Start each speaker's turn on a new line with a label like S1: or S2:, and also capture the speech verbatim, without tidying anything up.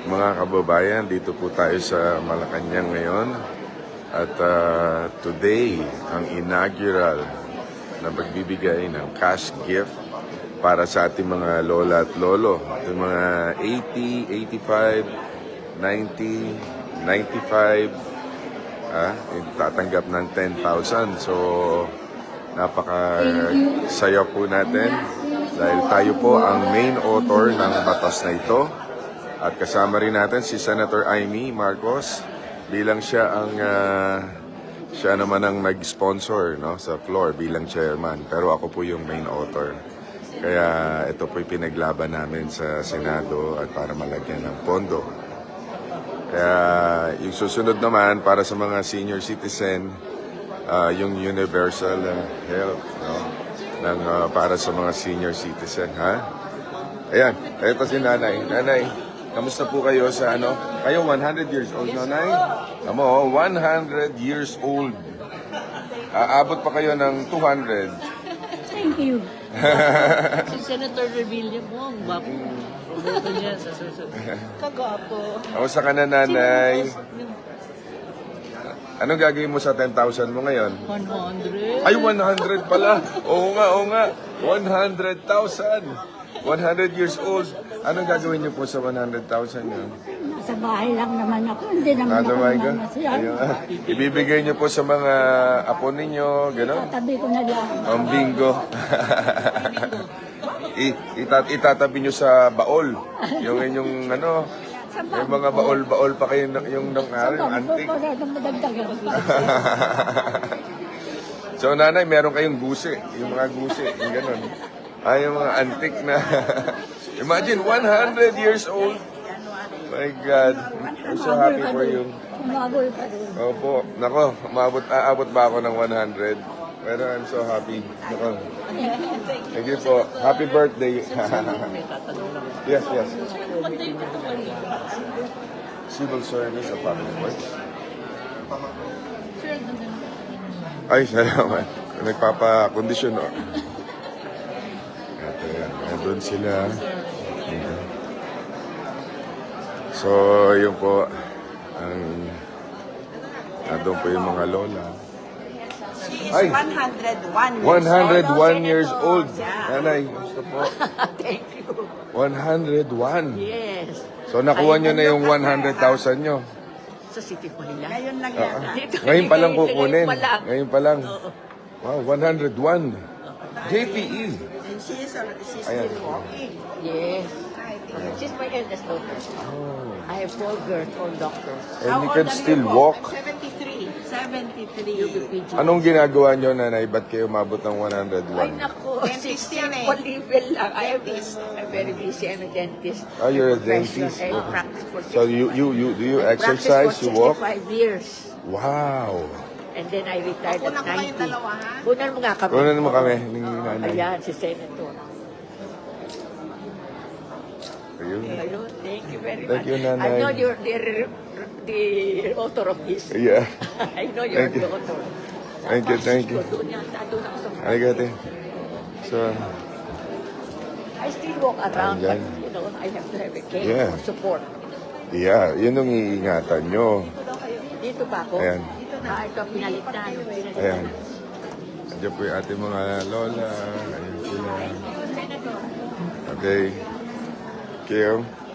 S1: Mga kababayan, dito po tayo sa Malacanang ngayon. At uh, today, ang inaugural na magbibigay ng cash gift para sa ating mga lola at lolo. Yung mga eighty, eighty-five, ninety, ninety-five, ah, tatanggap ng ten thousand. So, napaka-saya po natin dahil tayo po ang main author ng batas na ito. At kasama rin natin si Senator Amy Marcos bilang siya ang uh, siya naman ang nag-sponsor, no, sa floor bilang chairman. Pero ako po yung main author. Kaya ito po yung pinaglaban namin sa Senado at para malagyan ng pondo. Kaya yung susunod naman para sa mga senior citizen, uh, yung universal uh, health, no, ng, uh, para sa mga senior citizen. Ha? Ayan, ito si Nanay. Nanay, kamusta po kayo sa ano? Kayo one hundred years old, no, Nay? Amo, one hundred years old. Aabot pa kayo ng two hundred.
S2: Thank you. Si Senator Revilla mo, ang gwapo. Roberto niya sa susunod. Kagwapo.
S1: Kamusta ka na, Nanay? Anong gagawin mo sa ten thousand mo ngayon?
S2: one hundred.
S1: Ay, one hundred pala. Oo nga, oo nga. one hundred thousand. one hundred years old. Anong gagawin niyo po sa one hundred thousand yun?
S2: Nasa bahay lang naman ako. Hindi naman
S1: Nasa
S2: ako
S1: bahay ka?
S2: namamasyan.
S1: Ayun. Ibibigay niyo po sa mga apo ninyo, gano'n?
S2: Tatabi ko na lang.
S1: Ang bingo. I, itat, itatabi niyo sa baol. Yung inyong ano, yung mga baol-baol pa kayo ng- yung nang
S2: Sa
S1: yung
S2: bangko
S1: antik.
S2: ko na nang madagdagan.
S1: So, Nanay, meron kayong gusi. Yung mga gusi, yung gano'n. Ay, yung mga antik na. Imagine, one hundred years old. My God. I'm so happy for you.
S2: Umabol pa rin.
S1: Opo. Nako, maabot, aabot ba ako ng one hundred? Pero I'm so happy. Nako. Thank you po. Happy birthday. Yes, yes. Civil service of public works. Ay, salamat. Nagpapakondisyon, no? Ito yan. Nandun sila. So, yun po. Ang... Nandun po yung mga lola.
S3: She is
S1: Ay!
S3: one hundred one years
S1: one hundred one
S3: old.
S1: years old.
S3: Yeah.
S1: Nanay, gusto po.
S2: Thank you.
S1: one hundred one.
S2: Yes.
S1: So, nakuha nyo na yung one hundred thousand nyo.
S2: Sa City Manila.
S3: Ngayon lang yata.
S2: Dito,
S1: Ngayon pa lang kukunin.
S2: Ngayon pa lang.
S1: Ngayon pa lang.
S2: Oo.
S1: Wow, one hundred one. J P E.
S3: And she is al- she's
S1: Ayan.
S3: still walking.
S2: Yes.
S3: I think.
S2: She's my eldest daughter.
S1: Oh.
S2: I have four girls, four doctors.
S1: And
S3: How
S1: you
S3: old
S1: can
S3: are you
S1: still
S3: po?
S1: walk.
S3: seventy-three. seventy-three.
S2: U B P G.
S1: Anong ginagawa nyo, Nanay? Ba't kayo umabot ng one hundred
S2: Ay,
S1: one?
S2: nako.
S3: Dentist yan eh.
S2: Simple level lang. I am
S3: Dentist.
S2: I'm very busy. I'm a dentist.
S1: Oh, you're a
S2: Profession.
S1: dentist.
S2: I practice for
S1: So, you, you, you, do you exercise? You
S2: Practice for
S1: walk?
S2: sixty-five years.
S1: Wow.
S2: And then I retired
S3: Kunan
S2: at
S3: ko kayong
S2: ninety.
S3: dalawa, ha?
S2: Kunan mo nga kami.
S1: Kunan mo kami, ni Nanay.
S2: Ayan, si Senator.
S1: Ayun.
S2: Ayun, thank you very
S1: Thank
S2: much.
S1: you, Nanay.
S2: I know you're the, the author of this.
S1: Yeah.
S2: I know you're
S1: Thank you.
S2: the author.
S1: Thank you, thank you.
S2: Doon yan, doon ako sa
S1: Aligate. So,
S2: I still walk around,
S1: Ayan.
S2: but you know, I have to have a cane
S1: Yeah.
S2: for support.
S1: yeah, yun ang iingatan nyo.
S2: Dito ba ako?
S1: Ayan.
S2: Ah, ito, pinalitan. pinalitan.
S1: Ayan. Andiyan po yung ating mga lola. Ayan sila. Okay. Kim.